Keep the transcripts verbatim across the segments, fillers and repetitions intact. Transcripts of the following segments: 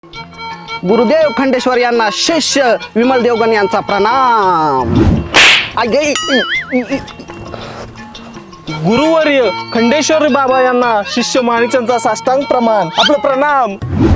गुरुदेव खंडेश्वर यांना शिष्य विमल देवगण यांचा प्रणाम। आगे गुरुवर्य खंडेश्वर बाबा यांना शिष्य माणिकांचा साष्टांग प्रमाण आपलं प्रणाम।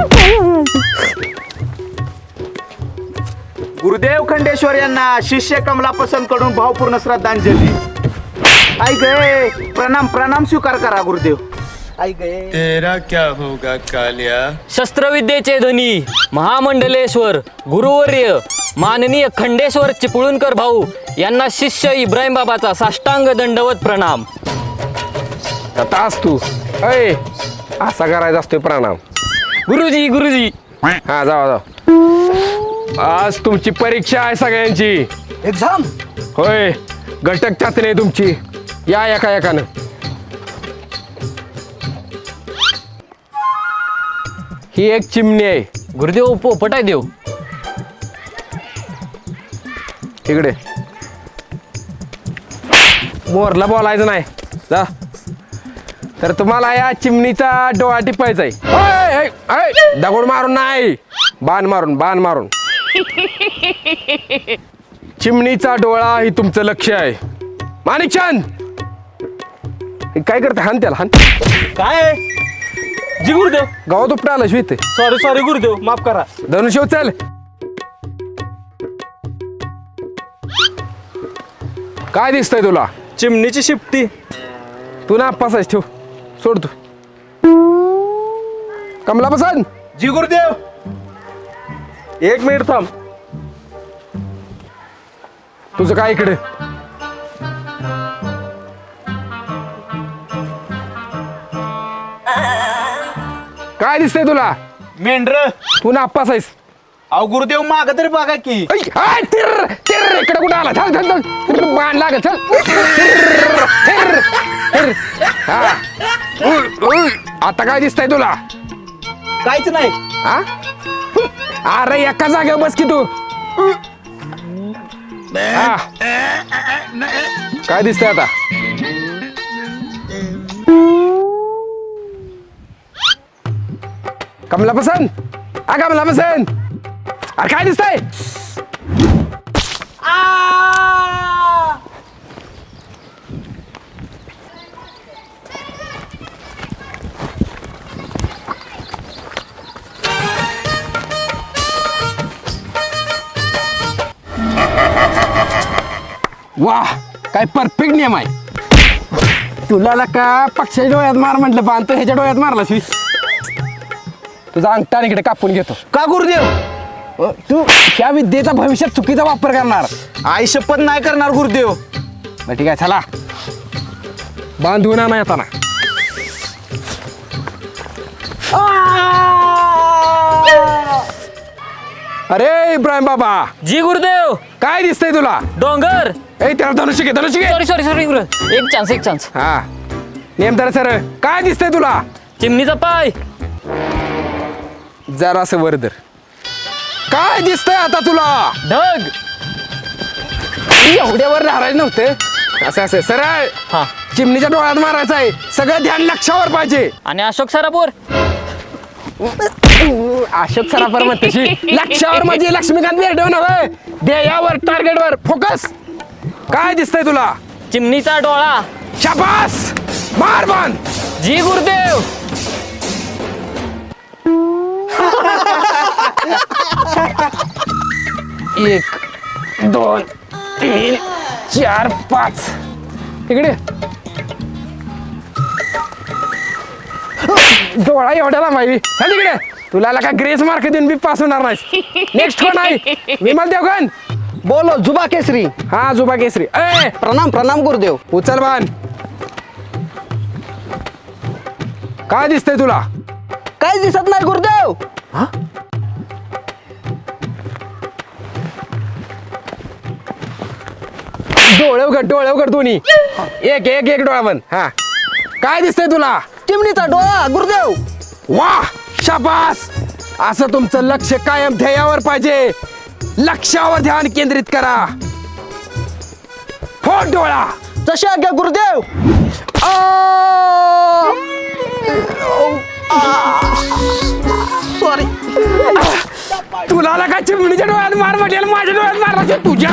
गुरुदेव खंडेश्वर यांना शिष्य कमला पसंत कडून भावपूर्ण श्रद्धांजली। आई गए प्रणाम प्रणाम स्वीकार करा गुरुदेव। आई गए तेरा क्या होगा कालिया। शस्त्रविद्येचे धनी महामंडलेश्वर गुरुवर्य माननीय खंडेश्वर चिपळूणकर भाऊ यांना शिष्य इब्राहिम बाबाचा साष्टांग दंडवत प्रणाम। तास तू अय असा करायचा असतोय प्रणाम। गुरुजी गुरुजी हा जावा जावा। आज तुमची परीक्षा आहे सगळ्यांची। एक्झाम होय घटक चाचणी आहे तुमची। या एका एकानं। ही एक चिमणी आहे। गुरुदेव पोपट आहे देव। इकडे मोरला बोलायचं नाही जा। तर तुम्हाला या चिमणीचा डोळा टिपायचा आहे। ओय, ओय, ओय, दगड मारून नाही बाण मारून बाण मारून। चिमणीचा डोळा ही तुमचं लक्ष आहे। माणिकचंद हे काय करते हान त्याला हान। काय जी गुरुदेव गावात उपटा आला शिवते। सॉरी सॉरी गुरुदेव माफ करा। धनुष्य चल। काय दिसतंय तुला? चिमणीची शिफ्टी। तू ना पासायच ठेव सोड तू। कमला पसंत जी गुरुदेव एक मिनिट थांब। तुझं काय इकडे? काय दिसतंय तुला? मेंढर। तू ना पासायस। अहो गुरुदेव माग तरी बघा की। इकडे कुठे आला? चल चल चल बाण लागत चल। थिर, थिर, थिर. हा. उय, उय. आता काय दिसतंय तुला? काहीच नाही। हा अरे एका जागेवर बस की तू। हा. काय दिसतंय आता? कमला पसंत हा कमला पसंत अरे काय दिसतंय? वाह काय परफेक्ट नियम आहे। तुला का पक्षाच्या डोळ्यात मार म्हटलं बांधतो ह्याच्या डोळ्यात मारला शिवी। तुझा अंगठा इकडे कापून घेतो। का गुरुदेव? अ, तू त्या विद्येचा भविष्यात चुकीचा वापर करणार। आई शपथ नाही करणार गुरुदेव। बरं ठीक आहे चला बांधून आणा येताना। अरे इब्राहिम बाबा जी गुरुदेव काय दिसतंय तुला? डोंगर। ए त्याला धनुष्य घे धनुष्य घे। सॉरी सॉरी सॉरी गुरु एक चान्स एक चान्स। हा नेमदार सर काय दिसतंय तुला? चिमणीचा पाय। जरासं वरदर काय दिसतंय आता तुला? ढग। एवढ्यावर राहायचं नव्हतं। असं असं सरळ हा चिमणीच्या डोळ्यात मारायचं आहे। सगळं ध्यान लक्षावर पाहिजे। आणि अशोक सरापूर। अशोक सराफर मग तशी लक्षावर म्हणजे लक्ष्मीकांत बेर्डे नव्हे ध्येयावर टार्गेटवर फोकस। काय दिसतंय तुला? चिमणीचा डोळा। शाबास मार बाण। जी गुरुदेव। एक दोन तीन चार पाच इकडे डोळा एवढ्या लांबाई चल इकडे। तुला का ग्रेस मार्क देऊन बी पास होणार नाही। नेक्स्ट कोण आहे? विमल देवगण बोलो जुबा केसरी। हा जुबा केसरी। ए प्रणाम प्रणाम गुरुदेव। उचल बाण। काय दिसतंय तुला? काय दिसत नाही गुरुदेव। डोळे उघड डोळे उघड दोन्ही। एक एक एक डोळा बंद। हा काय दिसतंय तुला? चिमणीचा डोळा गुरुदेव। वाह शाबास। असं तुमचं लक्ष कायम ध्येयावर पाहिजे। लक्षावर ध्यान केंद्रित करा। फोड डोळा। जशी आज्ञा गुरुदेव। आ! सॉरी. तुला आला का चिमणीच्या डोळ्यात मार म्हटलेला माझ्या डोळ्यात मारला तुझ्या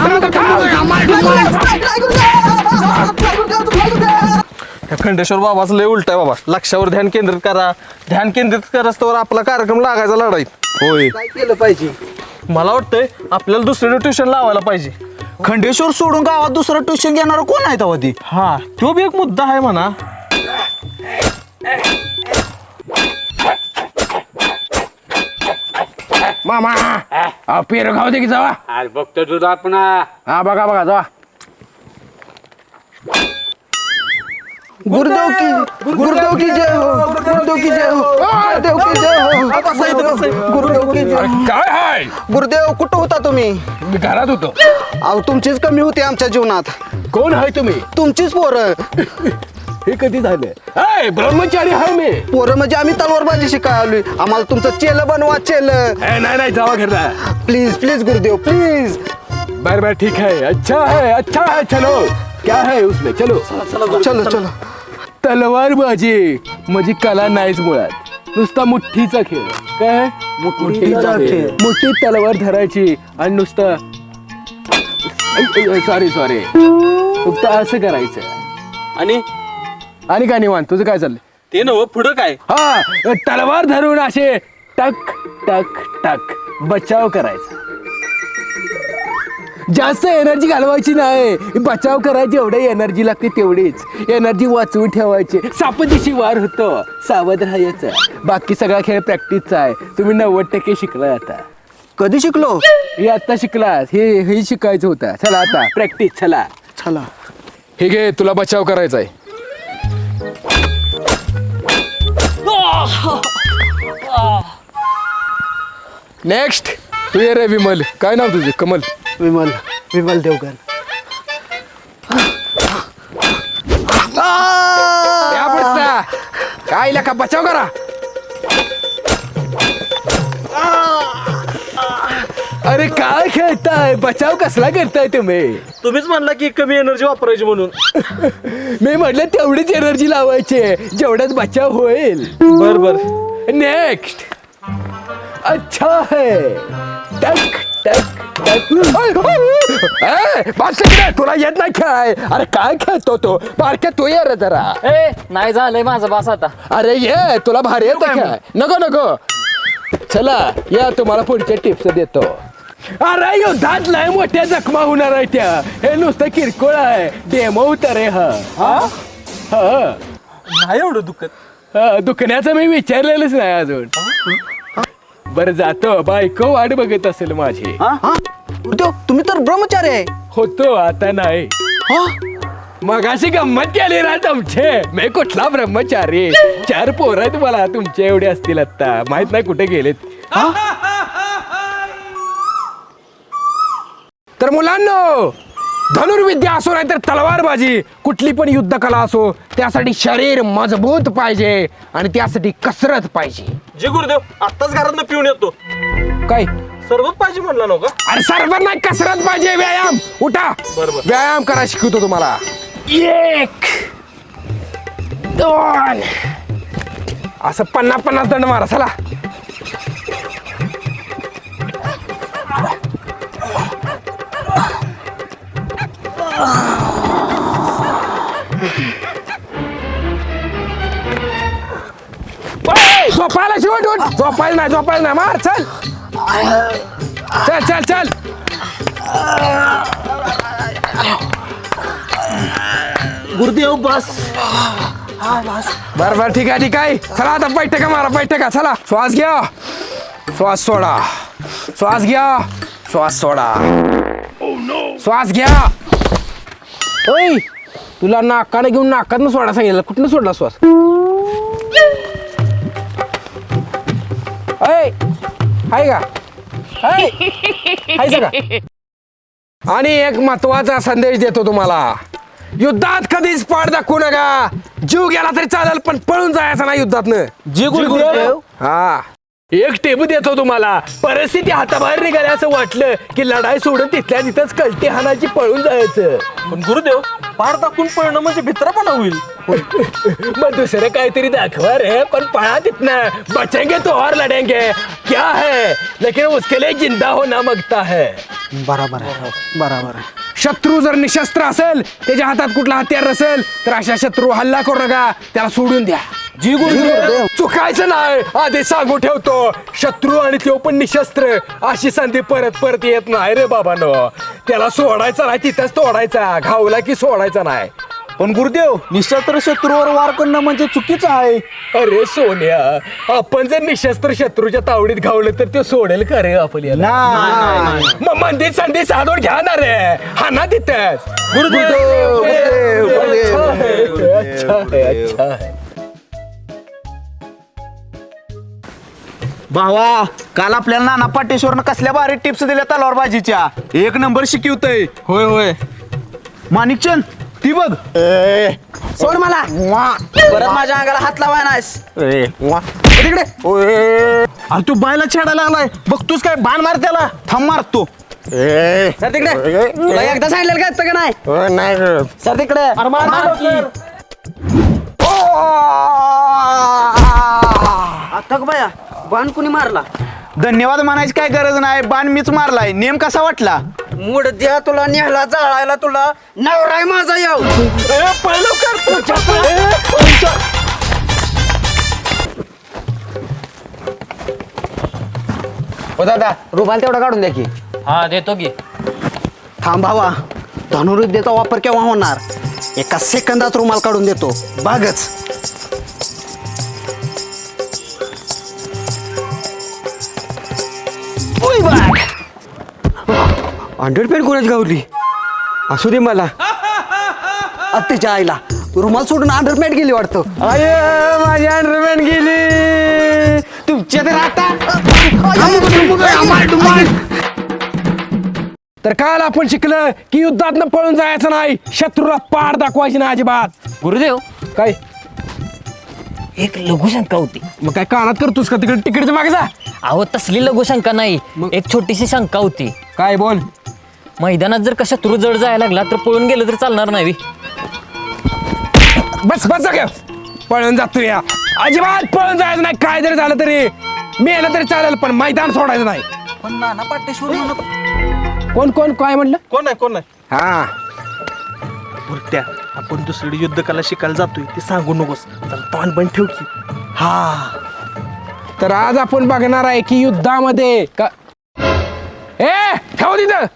त्या खंडेश्वर बाबाचं लय उलट आहे बाबा. लक्षावर ध्यान केंद्रित करा. ध्यान केंद्रित करस्तवर आपला कार्यक्रम लागायचा लढाईत. होय, काय केलं पाहिजे? मला वाटतंय आपल्याला दुसरीकडे ट्युशन लावायला पाहिजे. खंडेश्वर सोडून गावात दुसरं ट्युशन घेणार कोण आहे तेव्हा ती? हा, तो बी एक मुद्दा आहे म्हणा. मामा अहो, पेरू खाऊ दे की जावा. अरे बघतो तुझा आपण हा बघा बघा जावा. गुरुदेव की गुरुदेव की जय हो, गुरुदेव की जय हो, गुरुदेव की जय हो, गुरुदेव की जय हो. काय हाय गुरुदेव कुठं होता तुम्ही? मी घरात होतो. अहो तुमचीच कमी होती आमच्या जीवनात. कोण आहे तुम्ही? तुमचीच पोरं. हे कधी झालं? हाय ब्रह्मचारी आहे मी. पोरं म्हणजे आम्ही तलवारबाजी शिकाय आलोय. आम्हाला तुमचं चेल बनवा चेल. ए, नाही नाही जावा घरला. प्लीज प्लीज गुरुदेव प्लीज. बर बर ठीक है, अच्छा है अच्छा है, चलो क्या है उसमें, चलो चलो चलो. तलवारबाजी म्हणजे कला नाहीच मुळात, नुसता मुठ्ठीचा खेळ. काय मुठ्ठीचा खेळ. मुठ्ठीत तलवार धरायची आणि नुसतं सॉरी सॉरी फक्त असं करायचं. आणि आणि काय निवांत तुझं काय चाललंय? ते नव पुढं काय? हा तलवार धरून असे टक टक टक बचाव करायचा. जास्त एनर्जी घालवायची नाही, बचाव करायची. एवढी एनर्जी लागते तेवढीच एनर्जी वाचवून ठेवायची. सापदिशी वार होतो, सावध राहायचं. बाकी सगळा खेळ प्रॅक्टिसचा आहे. तुम्ही नव्वद टक्के शिकलाय आता. कधी शिकलो? हे आता शिकलास, हे हे शिकायचं होतं. चला आता प्रॅक्टिस, चला चला. हे घे, तुला बचाव करायचा आहे. नेक्स्ट तू ये रे विमल. काय नाव तुझे? कमल. विमल विमल देवगण. या पुढचा. काय लका बचाव करा. अरे काय खेळताय? बचाव कसला करताय तुम्ही? तुम्हीच म्हणला की कमी एनर्जी वापरायची म्हणून. मी म्हटलं तेवढीच एनर्जी लावायची जेवढ्यात बचाव होईल. बर बर. नेक्स्ट. अच्छा है. टक टक टक. ए, बस इकडे. तुला येत नाही खेळाय? अरे काय खेळतो तो? बारक्या तू ये रे जरा. ए नाही झालंय माझं बास आता. अरे ये, तुला भारी येतं खेळ. नको नको. चला या, तुम्हाला पुढच्या टिप्स देतो. अरे युद्धात लय मोठ्या जखमा होणार आहे त्या. हे नुसतं किरकोळ आहे. डेमो उतर आहे हा. हा नाही एवढं दुखत. हा, दुखण्याचं मी विचारलेलंच नाही अजून. बरं जातो. बायको वाट बघत असेल माझी. हा गुरुदेव तुम्ही तर ब्रह्मचारी आहे. होतो आता नाही. मग अशी गंमत केली ना तुमचे. मी कुठला ब्रह्मचारी? चार पोरं आहेत मला तुमचे एवढे असतील आता. माहित नाही कुठे गेलेत. तर मुलांनो, धनुर्विद्या असो नाही तर तलवारबाजी, कुठली पण युद्ध कला असो, त्यासाठी शरीर मजबूत पाहिजे आणि त्यासाठी कसरत पाहिजे. जे गुरुदेव आत्ताच घरात पिऊन येतो. काय सर्वच पाहिजे म्हणला नव्हता? अरे सर्व नाही, कसरत पाहिजे. व्यायाम. उठा. बरोबर. व्यायाम करा शिकवतो तुम्हाला. एक दोन असं पन्नास पन्नास दंड मारा. चला झोपायला शिवट उठ. झोपायला नाही झोपायला नाही मार. चल चल चल चल. गुरुदेव बस. बर बर ठीक आहे ठीक आहे. चला आता बैठका मारा बैठका. चला श्वास घ्या, श्वास सोडा, श्वास घ्या, श्वास सोडा, श्वास घ्या. ओय तुला नाकाने घेऊन नाकातनं सोडा सांगितलं, कुठनं सोडला श्वास? ऐ हाय का? हाय हाय का? आणि एक महत्वाचा संदेश देतो तुम्हाला. युद्धात कधीच पाड दाखवू नका. जीव गेला तरी चालेल पण पळून जायचं नाही युद्धातनं. जे गुरुदेव हा एक टेप देतो तुम्हाला. परिस्थिती हाताबाहेर निघाली असं वाटलं की लढाई सोडून तिथल्या तिथंच कलटी हाणाची पळून जायचं. पण गुरुदेव पार टाकून पळणं म्हणजे भित्रापणा होईल. मग दुसरं काहीतरी दाखवा रे. पण पळा तिथनं. बचेंगे तो और लढेंगे. क्या है लेकिन उसके लिए जिंदा होना मागता है. बराबर आहे बराबर आहे. शत्रू जर निशस्त्र असेल, त्याच्या हातात कुठला हत्यार नसेल, तर अशा शत्रू हल्ला करू नका, त्याला सोडून द्या. जी गुरुदेव. चुकायचं नाही. आधी सांगू ठेवतो, शत्रू आणि तो पण निशस्त्र अशी संधी परत परत येत नाही रे बाबानो. त्याला सोडायचा नाही, तिथंच तोडायचा. घावला की सोडायचा नाही. पण गुरुदेव निशस्त्र शत्रूवर वार करणं म्हणजे चुकीचं आहे. अरे सोन्या, आपण जर निशस्त्र शत्रूच्या तावडीत घावलं तर ते सोडेल का रे आपल्याला? मग मंदिर संधी साधून घ्या ना रे. हा ना तिथंच. गुरुदेव गुरुदेव गुरुदेव. अच्छा है, अच्छा है. भावा काल आपल्याला नाना पाटेश्वरनं कसल्या भारी टिप्स दिल्या तलवारबाजीच्या. एक नंबर शिकवतय. होय होय. माणिकचंद ती बघ. सोड मला. परत माझ्या अंगाला हात लावाय नाहीस. तिकडे. अरे तू बायला छेडायला आलाय. बघतोस काय बाण मार त्याला. थांब मारतो. सर तिकडे. तुला एकदा सांगितलं का का नाही? सर तिकडे. आता बाया बाण कुणी मारला? धन्यवाद म्हणायची काय गरज नाही. बाण मीच मारलाय. नेम कसा वाटला? मूड द्या तुला नेहला जाळायला. तुला नवराय माझा येऊ. हो दादा रुमाल तेवढा काढून द्या की. हा देतो की. थांब भावा, धनुर्विद्येचा वापर केव्हा होणार? एका सेकंदात रुमाल काढून देतो, बागच. अंडरपेड कोणाच गावली? असू दे मला. अत्तेच्या आईला रुमाल सोडून अंडरपेड गेली वाटतं. अरे माझी अंडरपेड गेली. तुमच्या तर आता तर काल आपण शिकलं की युद्धात पळून जायचं नाही. शत्रूला पाड दाखवायची नाही अजिबात. गुरुदेव काय एक लघुशंका होती. मग काय कानात करतोस का? तिकडे तिकडे मागे जा. अहो तसली लघुशंका नाही, एक छोटीशी शंका होती. काय बोल. मैदानात जर का शत्रू जड जायला लागला तर पळून गेलं तर चालणार नाही. बस बस जागे. पळून जातो या. अजिबात पळून जायचं नाही. काय जरी झालं तरी मेलं तरी चालेल, पण मैदान सोडायचं नाही. पण नाना पाटेश्वर कोण कोण काय म्हणलं? कोण आहे कोण आहे? हा बुरट्या आपण दुसरी युद्ध कला शिकायला जातोय ते सांगू नकोस. चल तोंड बंद ठेव की. हा तर आज आपण बघणार आहे की युद्धामध्ये का ए ठेव तिथं.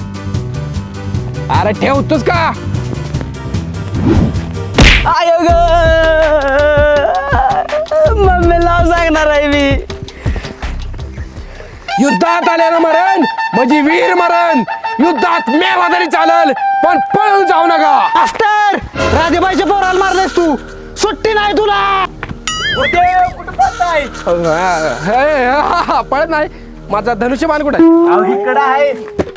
अरे ठेवतोस का? आय ग मम्मीला सांगणार आहे मी. युद्धात आल्यानं मरण म्हणजे वीर मरण. युद्धात मेला तरी चालेल, पण पळून जाऊ नका. मास्टर राजेबाईच्या पोराला मारलेस तू. सुट्टी नाही तुला. हे, हा, हा, पळत नाही. माझा धनुष्यबाण कुठे आहे? इकडं आहे.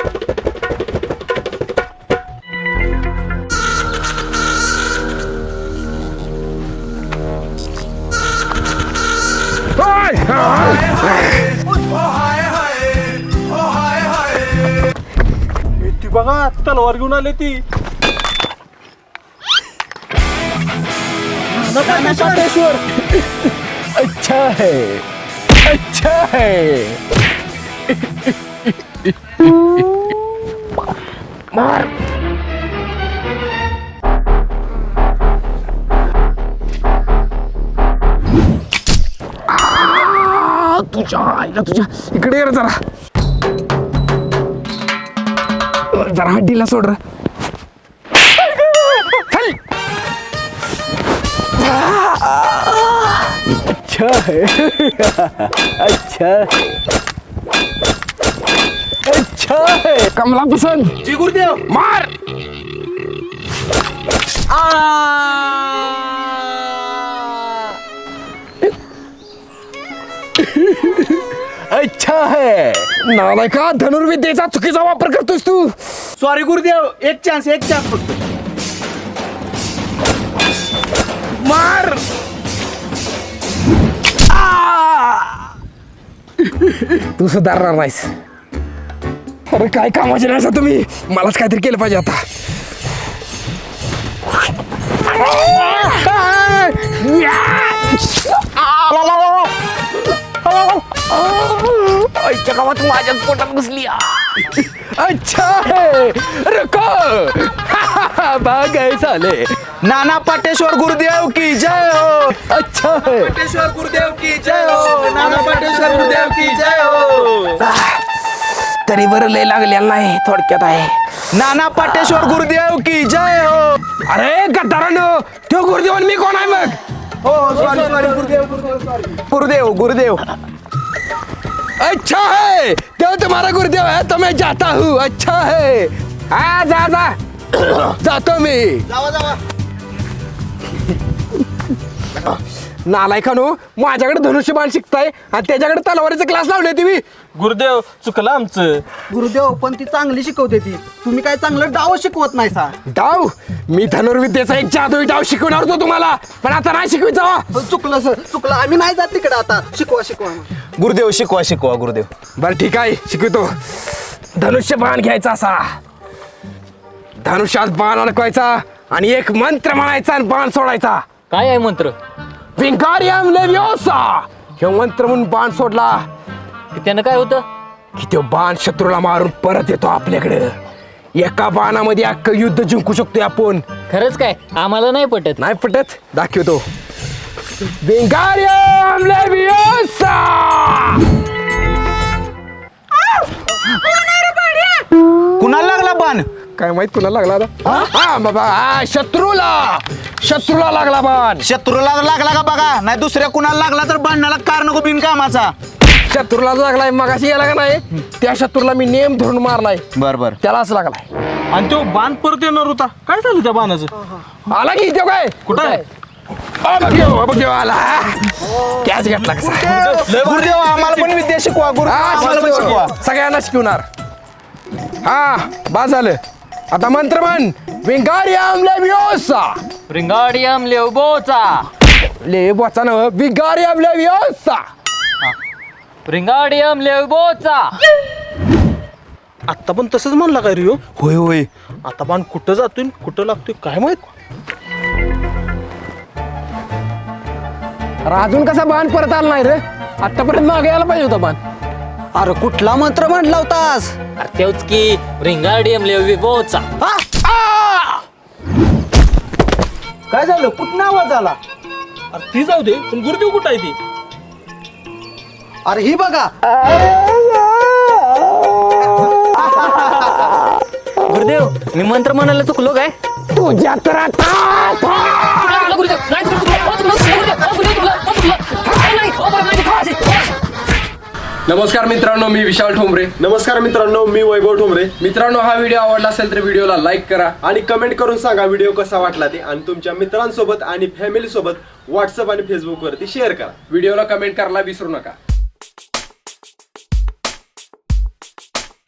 ती बघा तलवार घेऊन आले ती. अच्छा है, अच्छा है. मार. आ, तुझ्या आईला तुझ्या इकडे ये रे जरा. जरा हड्डीला सोड रे. चल. अच्छा है. अच्छा अच्छा है. कमला पसंद. जी गुरुदेव. मार. अच्छा है. नालायका, धनुर्विद्येचा चुकीचा वापर करतोस तू. सॉरी गुरुदेव. एक चान्स एक चान्स फक्त. मार. तू सुधारणार नाहीस. अरे काय कामाचे नाही असं तुम्ही, मलाच काहीतरी केलं पाहिजे आता. आईच्या गावात माझ्या पोटात घुसली. अच्छा है रुको. भाग गए साले. नाना पाटेश्वर गुरुदेव की जय हो. अच्छा है. पाटेश्वर गुरुदेव की जय हो. नाना पाटेश्वर गुरुदेव की जय हो. तरी बरं लय लागलेलं नाही, थोडक्यात आहे. नाना पाटेश्वर गुरुदेव की जय हो. अरे गद्दारांनो, तो गुरुदेव आणि मी कोण आहे मग? हो सॉरी सॉरी गुरुदेव गुरुदेव सॉरी गुरुदेव गुरुदेव. अच्छा है, तो तुम्हारा गुरुदेव है तो मैं जाता हूँ. अच्छा है. हा जा जा. जातो मी. जावा जावा. नालायकानो, माझ्याकडे धनुष्यबाण शिकताय आणि त्याच्याकडे तलवारीचा क्लास लावले तुम्ही. गुरुदेव चुकलं आमचं. गुरुदेव पण ती चांगली शिकवते ती, तुम्ही काय चांगलं डाव शिकवत नाही सा. डाव? मी धनुर्विद्येचा एक जादुई डाव शिकवणार होतो तुम्हाला, पण आता नाही शिकवायचा. हो, चुकलं सर चुकलं, आम्ही नाही जात तिकडे आता. शिकवा शिकवा. गुरुदेव शिकवा शिकवा गुरुदेव. बरं ठीक आहे, शिकवतो. धनुष्यबाण घ्यायचा असा, धनुष्यात बाण अडकवायचा आणि एक मंत्र म्हणायचा आणि बाण सोडायचा. काय आहे मंत्र? विंगारियम लेव्योसा. हे मंत्र म्हणून बाण सोडला की त्यानं काय होतं? की तो बाण शत्रूला मारून परत येतो आपल्याकडे. एका बाणामध्ये अख्खं युद्ध जिंकू शकतोय आपण. खरंच काय? आम्हाला नाही पटत. नाही पटत? दाखवतो. विंगारियम लेव्योसा. कुणाला लागला बाण? काय माहित कुणाला लागला आता? हा बाबा, हा शत्रूला. शत्रूला लागला बाण. शत्रूला लागला का बघा, नाही दुसऱ्या कुणाला लागला तर बाणाला कार नको बिनकामाचा. शत्रूला लागलाय, मगाशी याला का नाही, त्या शत्रूला मी नेम धरून मारलाय, बर बर. त्यालाच लागलाय. आणि तो बाण परत येणार होता, काय झालं त्या बाणाचं? आला की तो काय कुठं आहे? बघ आला. कॅच घेतला कसा. गुरुदेव आम्हाला पण विद्या शिकवा. गुरु हा, आम्हाला पण शिकवतो. शिकवा. सगळ्यांना शिकवणार. हा बस झालं. आता मंत्र म्हण. विंगारियम लेव्योसा. रिंगाडियम लेवबोचा. लेव्योचा नव्ह, विंगारियम लेव्योसा. रिंगाडियम लेवबोचा. आता पण तसंच म्हणला काय रिओ? होय होय. आता बाण कुठं जातोय कुठं लागतोय काय माहित. अरे अजून कसा बाण परत आला नाही रे? आतापर्यंत मागे यायला पाहिजे होता बाण. अरे कुठला मंत्र म्हटला होतास? अरे तेच की रिंगाडियम लेवबोचा. काय झालं? कुठं आवाज आला? अरे ती जाऊ दे, पण गुरुदेव कुठं आहे ती? अरे ही बघा. गुरुदेव, मी मंत्र म्हणायला चुकलो काय? तुझ्या तर आता नमस्कार मित्रांनो, मी विशाल ठोंबरे. नमस्कार मित्रांनो, मी वैभव ठोंबरे. मित्रांनो, हा व्हिडिओ आवडला असेल तर व्हिडिओला लाईक करा आणि कमेंट करून सांगा व्हिडिओ कसा वाटला ते, आणि तुमच्या मित्रांसोबत आणि फॅमिली सोबत व्हॉट्सअप आणि फेसबुक वरती शेअर करा. व्हिडिओला कमेंट करायला विसरू नका.